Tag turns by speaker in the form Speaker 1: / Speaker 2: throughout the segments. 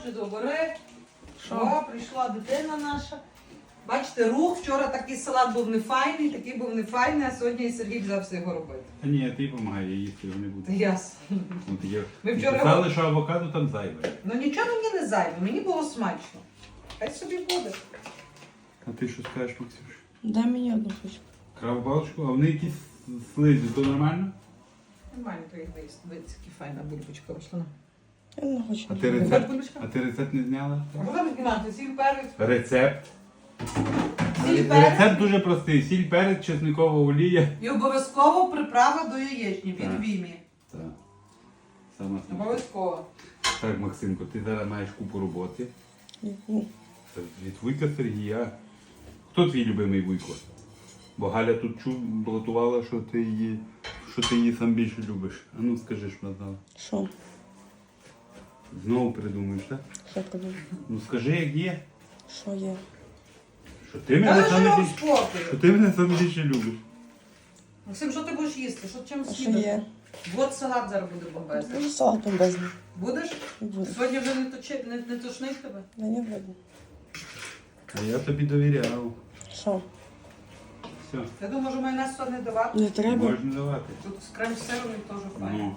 Speaker 1: Отже, добре. Що, прийшла дитина наша. Бачите, рух. Вчора такий салат був нефайний, такий був нефайний, а сьогодні і Сергій взявся його робити.
Speaker 2: Та ні, ти допомагай, я їсти його не буду.
Speaker 1: Ясно. Ми вчора
Speaker 2: Казали, що авокадо там зайве.
Speaker 1: Ну нічого мені не займе, мені було смачно. Хай собі буде.
Speaker 2: А ти що скажеш, Максюш?
Speaker 3: Дай мені одну хоч.
Speaker 2: Краб-балочку, а вони якісь слизі, то нормально?
Speaker 1: Нормально, то їх виїсти. Дивіться, яка файна бульбочка вийшла.
Speaker 3: Я не хочу.
Speaker 2: А ти
Speaker 1: Хочеш
Speaker 2: рецепт,
Speaker 1: бульбочка?
Speaker 2: а ти рецепт не зняла?
Speaker 1: А будемо знімати сіль, перець.
Speaker 2: Рецепт.
Speaker 1: Сіль, перець.
Speaker 2: Рецепт дуже простий. Сіль, перець, чесникова олія.
Speaker 1: І обов'язково приправа до яєчні від
Speaker 2: Так.
Speaker 1: Вімі.
Speaker 2: Так. Сама смачна.
Speaker 1: Обов'язково.
Speaker 2: Так, Максимко, ти зараз маєш купу роботи.
Speaker 3: Яку?
Speaker 2: Це від Вуйка Сергія. Хто твій любимий Вуйко? Бо Галя тут блатувала, що ти її сам більше любиш. А ну скажи, що вона знала.
Speaker 3: Що?
Speaker 2: Знову придумаєш, так?
Speaker 3: Що подумав?
Speaker 2: Ну скажи, як є.
Speaker 3: Що є?
Speaker 2: Що ти мене
Speaker 1: Та
Speaker 2: саме
Speaker 1: лише
Speaker 2: більше,
Speaker 1: спокою.
Speaker 2: що ти мене саме більше любиш.
Speaker 1: Максим, що ти будеш їсти? Що чим
Speaker 3: А що
Speaker 1: снідати?
Speaker 3: є?
Speaker 1: От салат зараз буде бомбезний.
Speaker 3: Дуже салат бомбезний.
Speaker 1: Будеш?
Speaker 3: Не буду.
Speaker 1: Сьогодні вже не тошнить тебе?
Speaker 3: Да не буду.
Speaker 2: А я тобі довіряв.
Speaker 3: Що?
Speaker 2: Все,
Speaker 1: Я думаю, може майонез сюди не давати.
Speaker 3: Не треба?
Speaker 2: можна давати.
Speaker 1: Тут з крем-сиром він теж файний.
Speaker 2: Ну,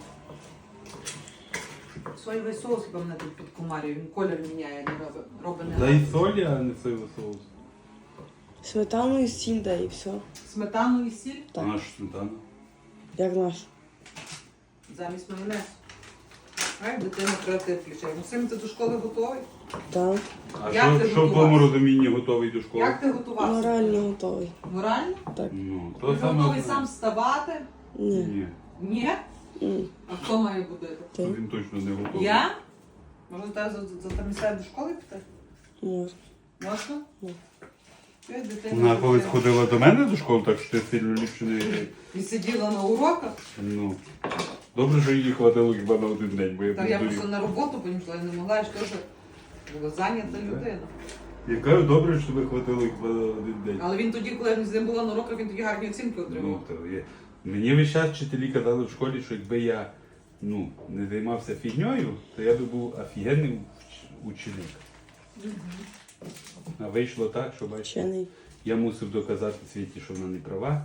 Speaker 1: Соєвий соус, хіба мене тут підкумарює, він колір міняє, не робить не
Speaker 2: дай солі, а не соєвий соус.
Speaker 3: Сметану і сіль дай і все.
Speaker 1: Сметану і сіль
Speaker 3: Так.
Speaker 2: Наш сметана.
Speaker 3: Як наш.
Speaker 1: замість майонезу. Ай, дитина креатив включає. Максим, ти до школи готовий?
Speaker 3: Так.
Speaker 2: А
Speaker 1: Як ти
Speaker 2: що в
Speaker 1: готувався?
Speaker 2: тому розумінні готовий до школи?
Speaker 1: Як ти готувався?
Speaker 3: Морально готовий.
Speaker 1: Морально?
Speaker 3: Так.
Speaker 2: Ну,
Speaker 1: Ти
Speaker 2: то саме.
Speaker 1: готовий
Speaker 2: основне.
Speaker 1: сам вставати?
Speaker 3: Ні.
Speaker 2: Ні,
Speaker 1: Ні?
Speaker 3: Ні.
Speaker 1: А хто має будити?
Speaker 3: Ти?
Speaker 2: він точно не готовий.
Speaker 1: Я? Може, тебе за до школи піти?
Speaker 3: Може.
Speaker 1: Можна?
Speaker 3: Ні.
Speaker 1: Ти, дитина,
Speaker 2: Вона колись
Speaker 1: дитина.
Speaker 2: ходила до мене до школи, так що ти сильно ліпше не...
Speaker 1: І сиділа на уроках.
Speaker 2: Ну, добре, що її хватило хіба на один день, бо я
Speaker 1: Так я
Speaker 2: б
Speaker 1: просто на роботу понесла, я не могла, я ж теж була зайнята людина.
Speaker 2: Я кажу, добре, що тебе хватило хіба на один день.
Speaker 1: Але він тоді, коли я з ним була на уроках, він тоді гарні оцінки
Speaker 2: Ну,
Speaker 1: отримав.
Speaker 2: то є. Мені весь час вчителі казали в школі, що якби я не займався фігньою, то я би був офігенний ученик. А вийшло так, що бачите,
Speaker 3: Вчений.
Speaker 2: я мусив доказати світі, що вона не права.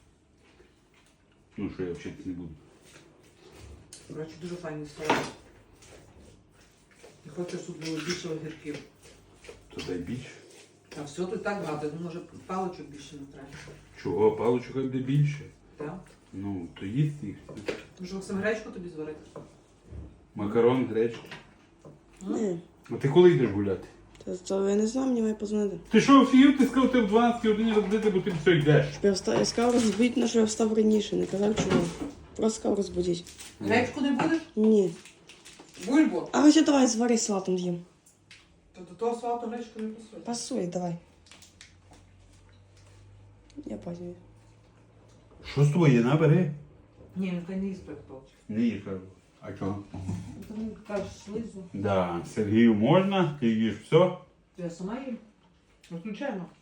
Speaker 2: Ну, що я вчитися не буду.
Speaker 1: Коротше, дуже файний салат. І хочу, щоб було більше огірків.
Speaker 2: То дай більше.
Speaker 1: А все тут так багато, ну може паличок більше не треба.
Speaker 2: Чого? Паличок буде більше.
Speaker 1: Так?
Speaker 2: Ну, то їсти їх.
Speaker 1: Може Максим гречку тобі зварити?
Speaker 2: Макарон, гречку.
Speaker 3: Ні.
Speaker 2: А ти коли йдеш гуляти?
Speaker 3: То я не знаю, мені має позвонити.
Speaker 2: Ти що, офігів? Ти сказав, ти в 12 годині розбудити, бо ти все йдеш.
Speaker 3: Я сказав розбудити, на що я встав раніше, не казав чого. Просто сказав розбудити.
Speaker 1: Гречку не будеш?
Speaker 3: Ні.
Speaker 1: Бульбу?
Speaker 3: А ось давай звари салатом з'їм.
Speaker 1: То до того салату гречку не пасує.
Speaker 3: Пасує, давай. Я пазнюю.
Speaker 2: Що з тобою? Набери.
Speaker 1: Ні, ну ти не їсть паличок.
Speaker 2: Не їж, кажу. А чого?
Speaker 1: Ти мені кажеш слизу.
Speaker 2: Да, Сергію можна, ти їш все.
Speaker 1: Я сама їм. Виключаємо.